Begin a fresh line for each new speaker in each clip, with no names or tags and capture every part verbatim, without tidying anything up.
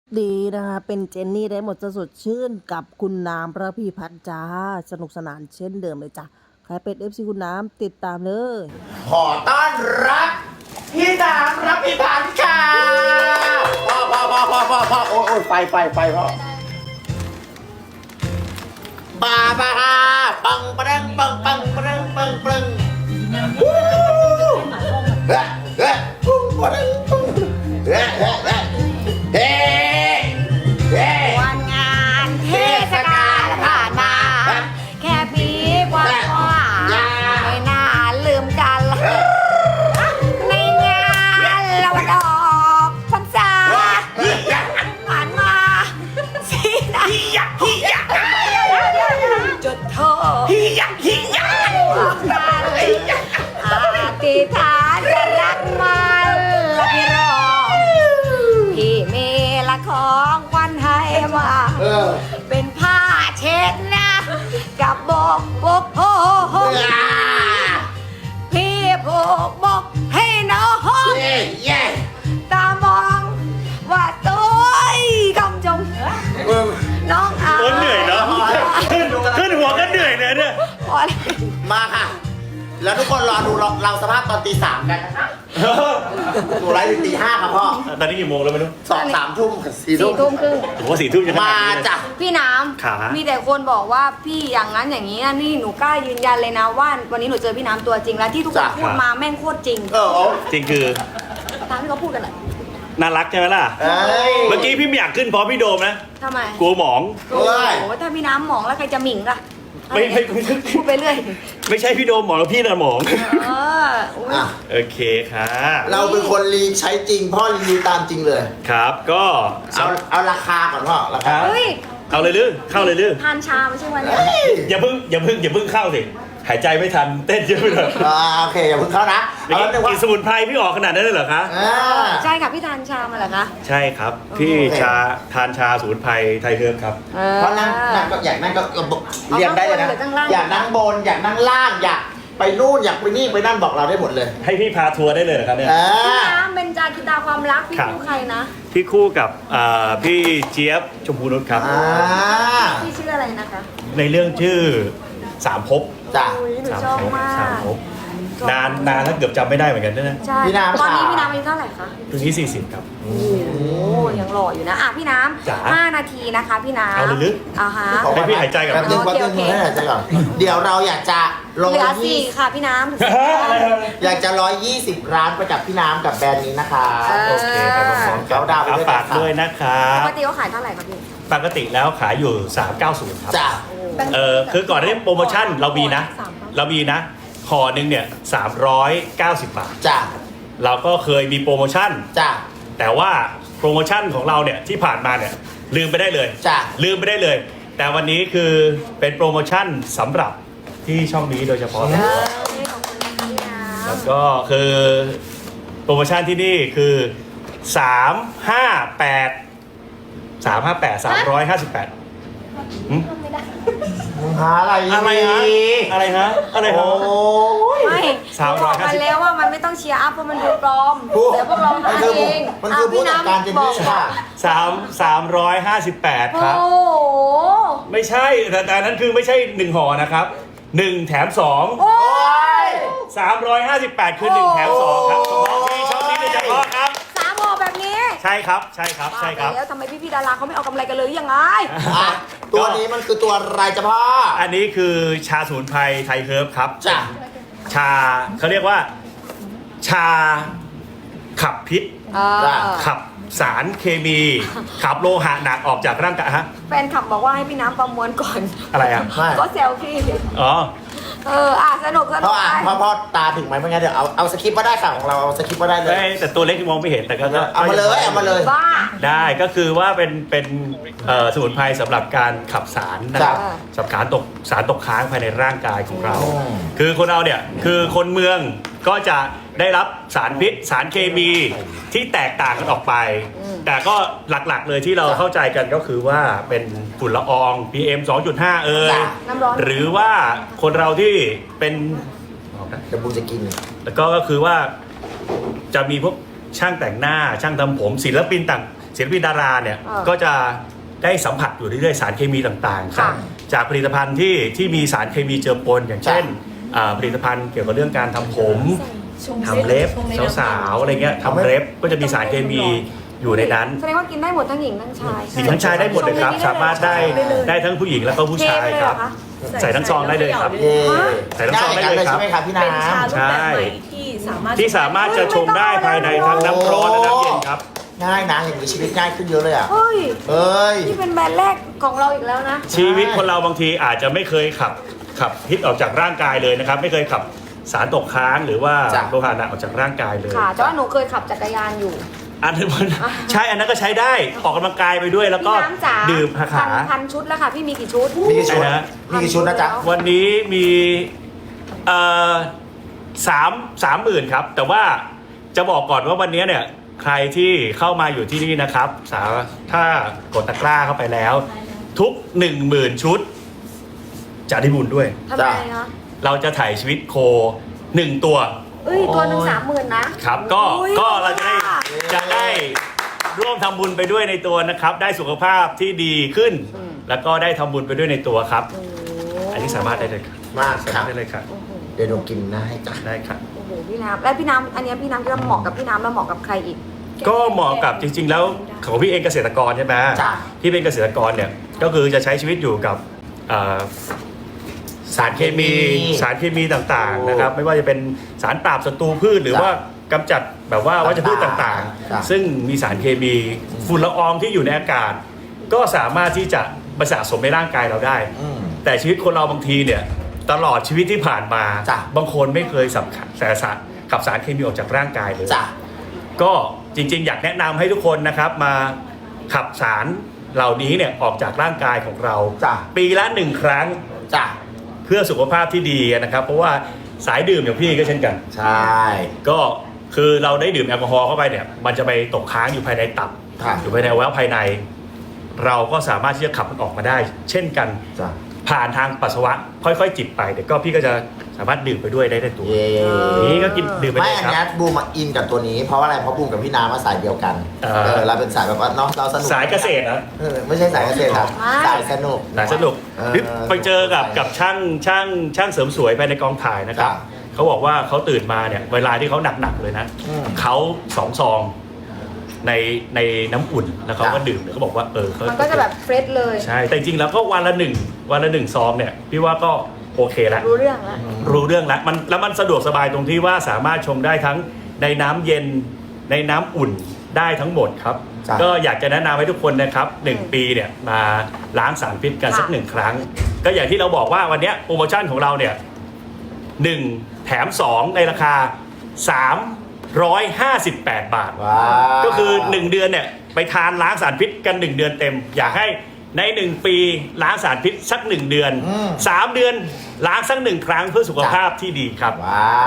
ดีนะคะเป็นเจนนี่ได้หมดจะสดชื่นกับคุณน้ำประพีพัฒน์จ้าสนุกสนานเช่นเดิมเลยจ้ะใครเป็นเอฟซีคุณน้ำติดตามเลย
ขอต้อนรับพี่น้ำรับพี่พันธ์ค่ะพ่อพ่อพ่อพ่อพ่อพ่อโอ้ยโอ้ยไฟไฟไฟพ่อบาบาปังปะดังปังปังปะดังปังปังวู้เฮ้เฮ้ปุ้งปะดังปุ้งเฮ้เฮ้เฮ้เฮ้เฮ้
วันงานเทศกาลผ่านมา แค่ปีกว่าไม่น่าลืมกันในงานเราดอกพรรษาผ่านมาสีน้ำจุดโทษบอกกันอธิษฐานจะรักมันและพี่รองพี่มีละของขวัญให้มา
เออ
เป็นผ้าเช็ดหนะกับบกบกโอ้โหพี่ผูกบกให้น้อง
เย้เย้
ตามองว่าตัวกำจงน้องอา
โอ้เหนื่อยเนาะขึ้นขึ้นหัวก็เหนื่อยเนี่ยเนี่ย
พอแล้ว
มาค่ะ แล้วทุกคนรอดูเราเราสภาพตอนตีสามกันนะคะดูไลฟ์ถึงตีห้าครับพ่อ
ตอนนี้กี่โมงแล้วไม่รู้
สองสามทุ่มสี่
สี่
ทุ่
ทุ่
ม
มครึ่ง
ผมว่าสี่ทุ่มจะขนา
มา
ดนี้เลย
จ้ะ
พี่น้
ขา
ำมีแต่คนบอกว่าพี่อย่างนั้นอย่างนี้นะนี่หนูกล้ายืนยันเลยนะว่าวันนี้หนูเจอพี่น้ำตัวจริงแล้วที่ทุกคนพูดมาแม่งโคตรจริง
เออโอ้
จริงคือ
ตามที่เขาพูดกันเลย
น่ารักใช่ไหมล่ะ
เอ้ย
เมื่อกี้พี่ไม่อยากขึ้นเพราะพี่โดมนะ
ทำไม
กลัวหมอง
โอ้โหถ้าพี่น้ำหมองแล้วใครจะหมิ่งล่ะ
ไม่ไม่ไม่
พูดไปเรื่อย
ไม่ใช่พี่โดมหมองแล้วพี่น่ะหมอง
เอออุ๊ย
อ่ะ
โอเคค่ะ
เราเป็นคนรีใช้จริง พ่อรีวิวตามจริงเลย
ครับก็
เอาเอาราคาก่อนพ่อราคา
เฮ้ย
เอาเลยลือเข้าเลยลือ
ทานชาไม่ใช่วันนี้
เฮ้ย
อย่าเพิ่งอย่าเพิ่งอย่าเพิ่งเข้าสิหายใจไม่ทันเต้นเยอะไปหน่อย
อ่าโอเคอย่าเพิ่งเข้านะเอาแล้วนึงว่า
กินสมุนไพรพี่ออกขนาดนั้นเลยเหรอคะ
อ่า
ใช่ค่ะพี่ทานชามาเหรอคะ
ใช่ครับพี่ชาทานชาสมุนไพรไทยเทิร์มครับ
เพราะนั่งนั่งก็อยากนั่งก็เรียงได้เลยนะอยากนั่งบนอยากนั่งล่างอยากไปนู่นอยากไปนี่ไปนั่นบอกเราได้หมดเลย
ให้พี่พาทัวร์ได้เลยเหรอครับเนี่ย
อ่า
พี่น้ำเป็นจาคิตาความรักพี่
ครับ
คู่ใครนะ
พี่คู่กับอ่าพี่เจี๊ยบชมพูนุชครับ
อ่า
พี่ชื่ออะไรนะคะ
ในเรื่องชื่อสามภพ
จ้ะ
อุ้ยหนู
สาม
ชอบ
ภพ
มาก
สามภพนานนานแล้วเกือบจำไม่ได้เหมือนกันนะ
ใช่
พี่น้ำ
ตอนนี้
ค่ะ
พี่น้ำอายุเท่าไหร่คะ
ถึงที่สี่สิบครับ
โอ้โหยังหล่ออยู่นะอ่ะพี่น้
จ๋า
ำห้านาทีนะคะพี่น้ำ
เอาเลยลึก
อ่าฮะ
ให้พี่หายใจก่อน
แป๊บนึงแป๊บนึง
โอเค
ให้หายใจก่อนเดี๋ยวเราอยากจะร้อ
เหลือย
ยี่
สี่ค่ะพี่น้ำ
อยากจะร้อยยี่สิบร้านประจับพี่น้ำกับแบรนด์นี้นะคะ
เออ
โอเคไปพร้อมๆกัน
เขาดาวน์ไปด้วยกัน
ฝากด้วยนะครั
ป
บ
กติเขาขายเท่าไหร่คะพี่
ปกติแล้วขายอยู่สามเก้าศูนย์ครับ
จ้ะ
เออคือก่อนหน้านี้โปรโมชั่นเรามีนะ เรามีนะห่อหนึ่งเนี่ยสามร้อยเก้าสิบบาท
จ้ะ
เราก็เคยมีโปรโมชั่น
จ้ะ
แต่ว่าโปรโมชั่นของเราเนี่ยที่ผ่านมาเนี่ยลืมไปได้เลย
จ้ะ
ลืมไปได้เลย แต่วันนี้คือเป็นโปรโมชั่นสำหรับที่ช่องนี้โดยเฉพาะ
เออขอบคุณค่ะพี่น้ำ
แล้วก็คือโปรโมชั่นที่นี่คือสามห้าแปดสามห้าแปดสามร้อยห้าสิบแปด
หาอะไร
อะไรฮะอะไรฮะอะไรฮะ
โอ้ย
ไม่
สาม
บ
ร้
อ
อย
ก
ห้า
มั
สิ
น
บ
แล้วว่ามันไม่ต้องเชียร์อัพเพราะมันดูปลอม
ผู้
เดี๋ยวพวกเรา
มัน
ทำ
คือ
เอง
มันคือผู้จัดการเจนนี่ค่ะ
สามสามร้อยห้าสิบแปดครับ
โอ้โห
ไม่ใช่แต่แต่อันนั้นคือไม่ใช่หนึ่งห่อนะครับหนึ่งแถมสอง
โอ้
โอ้ย
สามร้อยห้าสิบแปดคือหนึ่งแถมสองครับเฉพาะที่ช่องนี้โดยเฉพาะครับ
สามห่อแบบนี้
ใช่ครับใช่ครับใช่ครับ
แล้วทำไมพี่พี่ๆดาราเขาไม่เอากำไรกันเลยยังไง
อ่ะตัวนี้มันคือตัวอะไรจ้ะพ่อ
อันนี้คือชาสมุนไพรไทยเฮิร์บครับ
จ้ะ
ชาเขาเรียกว่า ชาขับพิษ
เออ
ขับสารเคมี ขับโลหะหนักออกจากร่างกายฮะ
แฟนขับบอกว่าให้พี่น้ำประมวลก่อน
อะไรอ่ะ
ไม่
ก็เซลฟี่
อ๋อ
เอออ่ะสนุกส
พ่
นุ
อก อ่ะ
ไป
พ่อพ่อตาถึงไหมไม่งั้นเดี๋ยวเอาเอาสคริปต์มาได้ค่ะของเราเอาสคริปต์มาได้เลย
เอ้ยแต่ตัวเล็กมองไม่เห็นแต่ก็ก็
เอามาเลยเอามาเลย
บ้า
ได้ก็คือว่าเป็นเป็นเอ่อสมุนไพรสำหรับการขับสารนะครับ
จ้ะ
สำหรับการตกสารตกค้างภายในร่างกายของเรา
อืม
คือคนเราเนี่ยคือคนเมืองก็จะได้รับสารพิษ สารเคมีที่แตกต่างกันออกไป แต่ก็หลักๆเลยที่เราเข้าใจกันก็คือว่าเป็นฝุ่นละออง พี เอ็ม สองจุดห้า เอ่ย
น้ำร้อน
หรือว่าคนเราที่เป็น
เดี๋ยวบูมจะกิน
แล้วก็ก็คือว่าจะมีพวกช่างแต่งหน้าช่างทำผมศิลปินต่างศิลปินดาราเนี่ย
เออ
ก็จะได้สัมผัสอยู่เรื่อยๆสารเคมีต่างๆ
ค่ะ
จากผลิตภัณฑ์ที่ที่มีสารเคมีเจือปนอย่างเช่นอ่าผลิตภัณฑ์เกี่ยวกับเรื่องการทำผมทำเล็บสาวๆอะไรเงี้ยทำเล็บก็จะมีสารเคมีอยู่ในนั้น
แสดงว่ากินได้หมดทั้งหญิงทั้งชาย
หญิงทั้งชายได้หมดเลยครับ สามารถได้ได้ทั้งผู้หญิงแล้วก็ผู้ชายครับ ใส่ทั้งซองได้เลยครับ
เย่
ใส่น้ำซองได้เลยครับ
ใช่ไหมครับพี่น้
เป็นชา
ำ
รูปแบบใหม่ที่สามารถ
ที่สามารถจะชงได้ภายในทั้งน้ำร้อนและน้ำเย็นครับ
ง่ายนะอย่างนี้ชีวิตง่ายขึ้นเยอะเลยอ่ะ
เฮ้ย
เอ้ย
นี่เป็นแบรนด์แรกของเราอีกแล้วนะ
ชีวิตคนเราบางทีอาจจะไม่เคยขับขับพิษออกจากร่างกายเลยนะครับ ไม่เคยขับสารตกค้างหรือว่า
จ้ะ
โลหะหนักออกจากร่างกายเลย
ค่ะแต่ว่าหนูเคยขับจักรยานอยู่
อันนั้นมันใช่อันนั้นก็ใช้ได้ออกกำลังกายไปด้วยแล้วก็
พี่น้ำจ๋า
ดื่มขา
พั
ขาน
พันชุดแล้วค่ะ พี่มีกี่ชุด
มีกี่ชุด
ใช่นะ
มีกี่ชุดนะจ๊ะ
วันนี้มีเอ่อสามสามหมื่นครับ แต่ว่าจะบอกก่อนว่าวันนี้เนี่ยใครที่เข้ามาอยู่ที่นี่นะครับสาถ้ากดตะกร้าเข้าไปแล้ว ทุกหนึ่งหมื่นชุด จะได้บุญด้วย
ทำไมคะ
เราจะถ่ายชีวิตโคหนึ่งตัว
เอ้ย ตัวหนึ่งสามหมื่นนะครับ
ก็
อุ๊ย
ก็เราจะได้
ค่ะ
จะได้ร่วมทำบุญไปด้วยในตัวนะครับ ได้สุขภาพที่ดีขึ้น
อืม
แล้วก็ได้ทำบุญไปด้วยในตัวครับ
โอ้โห
อันนี้สามารถได้เลยครับ
มาก
สา
ครั
มาร
บ
ถได้เลยครับ
โอ้โห
เดี๋ยวหนูกินนะให้จ้ะ
ได้ครับ
โอ้โหพี่น้ำและพี่น้ำอันเนี้ยพี่น้ำที่เราเหมาะกับพี่น้ำแล้วเหมาะกับใครอีก
ก็เหมาะกับจริง ๆ แล้วของพี่เองเกษตรกรใช่ไหม
จ้ะ
ที่เป็นเกษตรกรเนี่ยก็คือจะใช้ชีวิตอยู่กับเอ่อสารเคมีสารเคมีต่างๆนะครับ ไม่ว่าจะเป็นสารปราบศัตรูพืชหรือ
จ้ะ
ว่ากำจัดแบบว่าวัชพืชต่าง
จ้ะ
ๆ ซึ่งมีสารเคมีฝุ่นละอองที่อยู่ในอากาศ ก็สามารถที่จะมาสะสมในร่างกายเราได้
อืม
แต่ชีวิตคนเราบางทีเนี่ยตลอดชีวิตที่ผ่านมา
จ้ะ
บางคนไม่เคยสัมผัสสารขับสารเคมีออกจากร่างกายเลย
จ้ะ
ก็จริงๆ อยากแนะนำให้ทุกคนนะครับมาขับสารเหล่านี้เนี่ยออกจากร่างกายของเรา
จ้ะ
ปีละหนึ่งครั้ง
จ้ะ
เพื่อสุขภาพที่ดีนะครับ เพราะว่าสายดื่มอย่างพี่ก็เช่นกัน
ใช่
ก็คือเราได้ดื่มแอลกอฮอล์เข้าไปเนี่ยมันจะไปตกค้างอยู่ภายในตับ
ค่ะ
อยู่ภายในอวัยวะภายใน เราก็สามารถที่จะขับมันออกมาได้ เช่นกัน
จ้ะ
ผ่านทางปัสสาวะค่อยๆ จิบไปเดี๋ยวก็พี่ก็จะสามารถดื่มไปด้วยได้ในตัว
เย่
นี้ก็กินดื่มไป
ไม่
เลย
อัน
ครับ
เนี้ยบูมมาอินกับตัวนี้เพราะว่าอะไรเพราะบูมกับพี่น้ำมาสายเดียวกัน
เออ
เออเราเป็นสายแบบว่าเนาะเราสนุก
สายเกษตรนะ
เออไม่ใช่สายเกษตรครับ
ไม่
สายสนุก
สายสนุก
เออ
หรือไปเจอกับกับช่างช่างช่างเสริมสวยภายในกองถ่ายนะครับ
จ้ะ
เขาบอกว่าเขาตื่นมาเนี่ยเวลาที่เขาหนักๆเลยนะ
อืม
เขาสองซองในในน้ำอุ่นแล้วเขาก็
จ้ะ
ดื่มเนี่ยเขาบอกว่าเออเขา
มันก็จะแบบเฟรชเลย
ใช่แต่จริงๆแล้วก็วันละหนึ่งวันละหนึ่งซองเนี่ยพี่ว่าก็โอเคแล้ว
รู้เรื่องแล้ว
รู้เรื่องแล้วมันแล้วมันสะดวกสบายตรงที่ว่าสามารถชงได้ทั้งในน้ำเย็นในน้ำอุ่นได้ทั้งหมดครับ
จ้ะ
ก็อยากจะแนะนำให้ทุกคนนะครับหนึ่ง
อืม
ปีเนี่ยมาล้างสารพิษกัน
ค่ะ
สักหนึ่งครั้ง ก็อย่างที่เราบอกว่าวันเนี้ยโปรโมชั่นของเราเนี่ยหนึ่งแถมสองในราคาสามร้อยห้าสิบแปดบาท
ว้าว
ก็คือหนึ่งเดือนเนี่ยไปทานล้างสารพิษกันหนึ่งเดือนเต็ม อยากให้ในหนึ่งปีล้างสารพิษสักหนึ่งเดือน
อืม
สามเดือนล้างสักหนึ่งครั้งเพื่อสุขภาพที่ดีครับ
ว้าว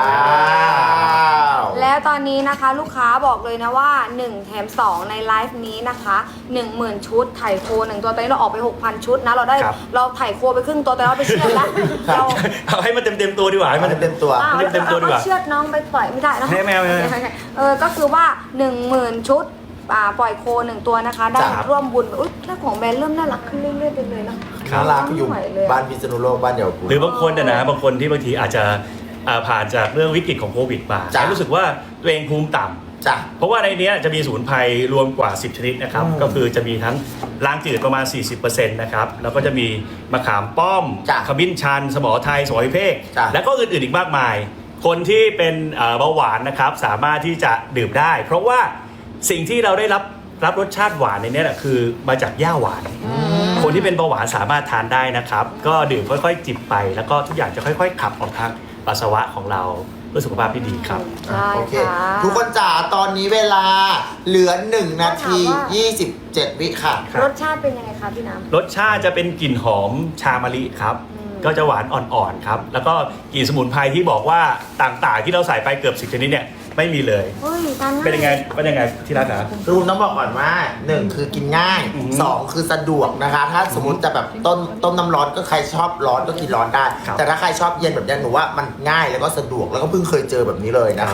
แล้วตอนนี้นะคะลูกค้าบอกเลยนะว่าหนึ่งแถมสองในไลฟ์นี้นะคะหนึ่งหมื่นชุดไถ่โคหนึ่งตัวตอนนี้เราออกไป หกพัน ชุดนะเราได้
ครับ
เราไถ่โคไปครึ่งตัวแต่เราไปเชือดแล้วเรา
เอาให้มันเต็มเต็มๆตัวดีกว่าให้
มั
มัน น
เต็มตัว
อ้าว
เต็มๆตัวดีกว่า
เอาเชือดน้องไปปล่อยไม่ได้นะ
ไม่ไม่ไม่ไม่
เออก็คือว่าหนึ่งหมื่นชุดอ่าปล่อยโคหนึ่งตัวนะคะ ได้
ครับ
ร่วมบุญอุ้ยถ้าของแบรนด์เริ่มน่ารักขึ้นเรื่อยๆไปเลยเนาะ
น่ารักอยู่
ไม่ไหวเลยอะ
บ้านพิษณุโลกบ้านเดียวกู
หรือบางคนนะนะบางคนที่บางทีอาจจะอ่าผ่านจากเรื่องวิกฤตของโควิดมา
จ้ะ
แล้วรู้สึกว่าตัวเองภูมิต่ำ
จ้ะ
เพราะว่าในเนี้ยจะมีสมุนไพรรวมกว่าสิบชนิดนะครับ
อืม
ก็คือจะมีทั้งล้างจืดประมาณ สี่สิบเปอร์เซ็นต์ นะครับ แล้วก็จะมีมะขามป้อม
จ้ะ
ขมิ้นชัน สมอไทย สมอวิเภก
จ้ะ
แล้วก็อื่นๆอีกมากมาย คนที่เป็นเอ่อเบาหวานนะครับสามารถที่จะดื่มได้ เพราะว่าสิ่งที่เราได้รับรับรสชาติหวานในเนี้ยแหละคือมาจากหญ้าหวาน คนที่เป็นเบาหวานสามารถทานได้นะครับ ก็ดื่มค่อยๆ จิบไป แล้วก็ทุกอย่างจะค่อยๆ ขับออกทางปัสสาวะของเราเพื่อสุขภาพที่ดีครับ
ใช่
โอเค
ค่ะ
ทุกคนจ๋าตอนนี้เวลาเหลือหนึ่งนาที
ถามว่า
ยี่สิบเจ็ดวิค่ะ
รสชาติเป็นยังไงคะพี่น้ำ
รสชาติจะเป็นกลิ่นหอมชามะลิครับ
อืม
ก็จะหวานอ่อนๆครับ แล้วก็กลิ่นสมุนไพรที่บอกว่าต่างๆ ที่เราใส่ไปเกือบสิบชนิดเนี่ยไม่มีเลย
เฮ้ยทานง่าย
เป็นยังไงเป็นยังไงที่รักครับ
คือผมต้องบอกก่อนว่าหนึ่งคือกินง่าย
อือฮึ
สองคือสะดวกนะคะ ถ้าสมมติจะแบบต้มต้มน้ำร้อนก็ใครชอบร้อนก็กินร้อนได้
ครับ
แต่ถ้าใครชอบเย็นแบบนี้หนูว่ามันง่ายแล้วก็สะดวกแล้วก็เพิ่งเคยเจอแบบนี้เลยนะคะ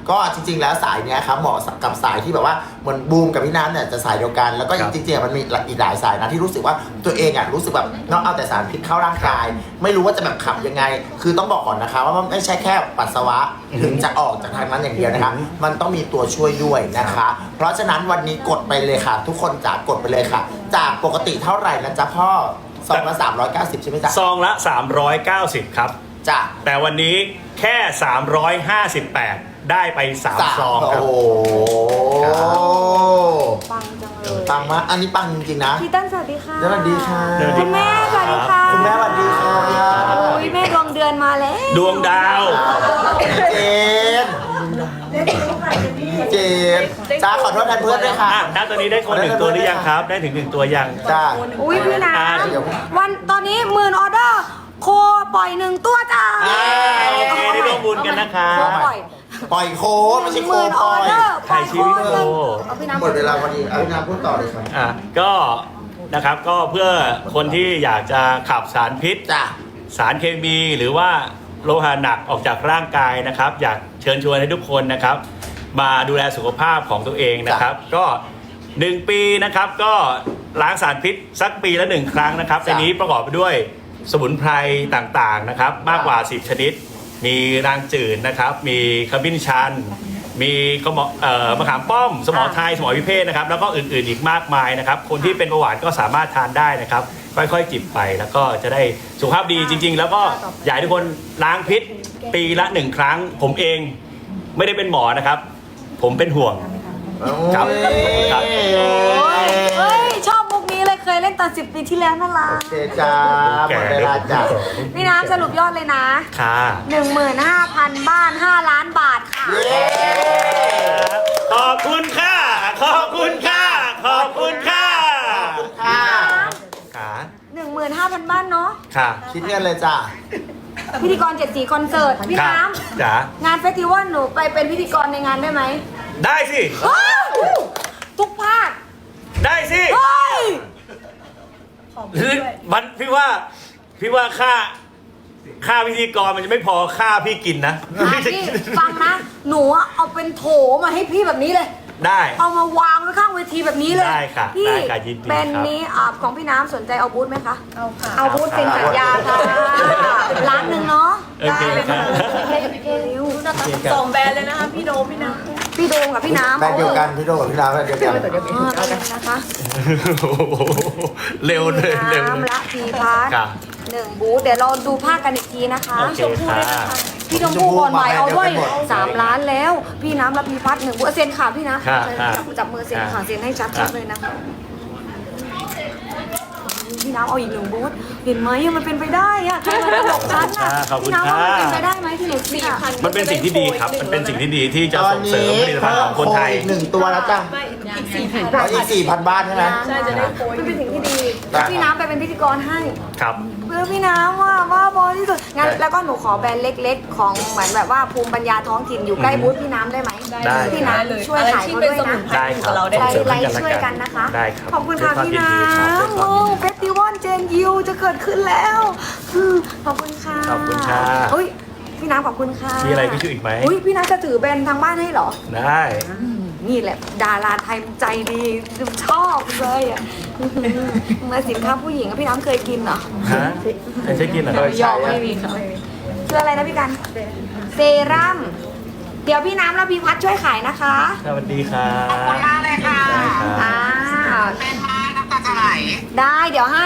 ก็จริงๆแล้วสายเนี้ยครับเหมาะกับสายที่แบบว่าเหมือนบูมกับพี่น้ำเนี่ยจะสายเดียวกันแล้วก็
ครับ
จริงๆมันมีอีกหลายสายนะที่รู้สึกว่าตัวเองอ่ะรู้สึกแบบนอกเอาแต่สารพิษเข้าร่างกาย ไม่รู้ว่าจะแบบขับยังไง คือต้องบอกก่อนนะคะว่ามันไม่ใช่แค่ปัสสาวะถึงจะออกจากทางนั้นอย่างเดียวนะคะมันต้องมีตัวช่วยด้วยนะคะ เพราะฉะนั้นวันนี้กดไปเลยค่ะ ทุกคนจ๋ากดไปเลยค่ะ จากปกติเท่าไหร่นะจ๊ะพ่อซองละสามร้อยเก้าสิบใช่ไหมจ๊ะ
ซองละสามร้อยเก้าสิบครับ
จ้ะ
แต่วันนี้แค่สามร้อยห้าสิบแปดได้ไปสามซองครับ
โอ้โห
ปังจังเลย
ปังมากอันนี้ปังจริงๆนะ
พี่ตั้นสวัสดีค่ะ
สวัสดีค่ะ
คุณแม่สวัสดีค่ะ
คุณแม่สวัสดีค่ะ
โอ้ยแม่ดวงเดือนมาแล้ว
ดวงดาว
เจนเจนจ้าขอโทษแทนเพื่อนด้วยค่ะ
อ่ะณตอนนี้ได้คนหนึ่งตัวหรือยังครับ ได้ถึงหนึ่งตัวยัง
จ้า
อุ้ยพี่น้
อ่า
ำวันตอนนี้หมื่นออเดอร์โคปล่อยหนึ่งตัวจ้า
เย้โอเคได้ร่วมบุญกันนะครับ
โคปล่อย
ปล่อยโคไม่ใช่
ห
โค
มื่น
ป
อ
ล่
อ
อย
เดอร์ปล่อยโค
ถ่ายชีวิตโค
เอาพี่น้ำ
หมดเวลาพอดีเอาพี่น้ำพูดต่อเลยครับ
อ่ะก็นะครับก็เพื่อคนที่อยากจะขับสารพิษ
จ้า
สารเคมีหรือว่าโลหะหนักออกจากร่างกายนะครับ อยากเชิญชวนให้ทุกคนนะครับ มาดูแลสุขภาพของตัวเองนะครับ ก็หนึ่งปีนะครับก็ล้างสารพิษสักปีละหนึ่งครั้งนะครับในนี้ประกอบไปด้วยสมุนไพรต่างๆนะครับ มากกว่าสิบชนิด มีรางจืดนะครับ มีขมิ้นชัน มีกระหมอเอ่อมะขามป้อม สมอไทยสมอวิเภทนะครับ แล้วก็อื่นๆอีกมากมายนะครับ คนที่เป็นเบาหวานก็สามารถทานได้นะครับ ค่อยๆจิบไปแล้วก็จะได้สุขภาพดีจริง ๆ แล้วก็อยากให้ทุกคนล้างพิษปีละหนึ่งครั้ง ผมเองไม่ได้เป็นหมอนะครับ ผมเป็นห่วง ครับครับ
เฮ้ยชอบมุกนี้เลยเคยเล่นตอนสิบปีที่แล้วนั่นละ
โอเคจ้าหมดเวลาจ้า
พี่น้ำสรุปยอดเลยนะ
ค่ะ
หนึ่งหมื่นห้าพันบ้านห้าล้านบาทค่ะ
ขอบคุณค่ะ ขอบคุณค่ะ ขอบคุณค่ะ
ค่ะ
ค่ะ
หนึ่งหมื่นห้าพันบ้านเนาะ
ค่ะ
คิดเงินเลยจ้า
พิธีกรเจ็ดสีคอนเสิร์ตพี่
ค่ะ
น้
จ๋า
ำงานเฟสติวัลหนูไปเป็นพิธีกรในงานได้ไหม
ได้สิ
ว้าวทุกภาค
ได้สิ
เฮ้ย
คือมันพี่ว่าพี่ว่าค่าค่าพิธีกรมันจะไม่พอค่าพี่กินนะ
อ่ะพี่ฟังนะ หนูอะเอาเป็นโถมาให้พี่แบบนี้เลย
ได้
เอามาวางไว้ข้างเวทีแบบนี้เลย
ได้ค่ะ
พี่
ได้ค่ะยินดี
เป็น
ครับ
นี้อ่าของพี่น้ำสนใจเอาบูธไหมคะ
เอาค่ะ
เอาบูธเซ็นสัญญาค่ะร้านหนึ่งเนาะ
โอเค
ได้เลย
ครั
ค่ะ
นะคะสองแบรนด์เลยนะคะ พี่โดมพี่น้ำ
พี่โดมกับพี่น้ำ
แบรนด์เดียวกันพี่โดกับพี่น้ำแบรนด์เดียวกัน
อ่าเป็นนะคะ
เร็วเลยเร็วเลย
น้ำละพีพัท
ค่ะ
หนึ่งบูธเดี๋ยวเราดูภาคกันอีกทีนะคะ
โอเคค่ะ
พี่ชมพู่ก่อนใหม่เอาด้วย
ชมพู่มา
สามล้านแล้ว พี่น้ำละพีพัทหนึ่งบูธเซ็นค่ะพี่นะ
ค่ะ
จับจับมือเซ็นค่ะ
ค่ะ
เซ็นให้ชัด
ค่ะ
ๆเลยนะคะพี่น้ำเอาอีกหนึ่งบูธเห็นไหมมันเป็นไปได้อะใครมาตลกฉันอะ
ค่ะขอบคุณ
พี่น้ำว่ามัน
ค่ะ
เป็นไปได้ไหมที่หนูสี่พัน
มันเป็นสิ่งที่ดีครับ มันเป็นสิ่งที่ดีที่จะ
ตอน
ส่งเสริ
นี้
มผลิตภัณฑ์ของคนไทย
อีกหนึ่งตัวแล้วจ้า
ไม่อีกสี่พัน
เอาอีกสี่พันบ้านใช่ไหม
ใช่จะได้โปรย
มันเป็นสิ่งที่ดี
ได้
พี่น้ำไปเป็นพิธีกรให้
ครับ
เพื่อพี่น้ำว่าว่าบอที่สุดงั้น
ได้
แล้วก็หนูขอแบรนด์เล็กๆ ของเหมือนแบบว่าภูมิปัญญาท้องถิ่นอยู่ใกล้บูธพี่น้ำได้ไหม
ได้
พี่น้ำช่วย
อะไร
ขาย
ที่
เขา
เป็น
ด้วย
สมุ
นะ
นไพร
ได้
อยู่
ครั
กั
บบ
เราได้
ไล
เสริม
ไล
กันและ
ช่วย
กั
กัน นนะคะ
ได้ครับ
ขอบคุณค่ะ
ด้วย
พี่
วาม
น้
ยินดีครับ
ำโอ้เฟสติวัลเจนยิวจะเกิดขึ้นแล้วอืมขอบคุณค่ะ
ขอบคุณค่ะ
อุ้ยพี่น้ำขอบคุณค่ะ
มีอะไรพี่ช่วยอีกไหม
อุ้ยพี่น้ำจะถือแบรนด์ทางบ้านให้เหรอ
ได้
นี่แหละดาราไทยใจดีชอบเลยอ่ะมาสินค้าผู้หญิงอะพี่น้ำเคยกินเหรอ
ฮะไม่ใช่กินเหรอ
หยอกไม่มีค่ะคืออะไรนะพี่กัน เซรั่ม เดี๋ยวพี่น้ำและพี่พัดช่วยขายนะคะ
สวัสดีครับ
ขอบคุณมากเลยค่ะ
ได้ครับ
อ่าเป็นมาน้ำตาจะไหลได้เดี๋ยวให้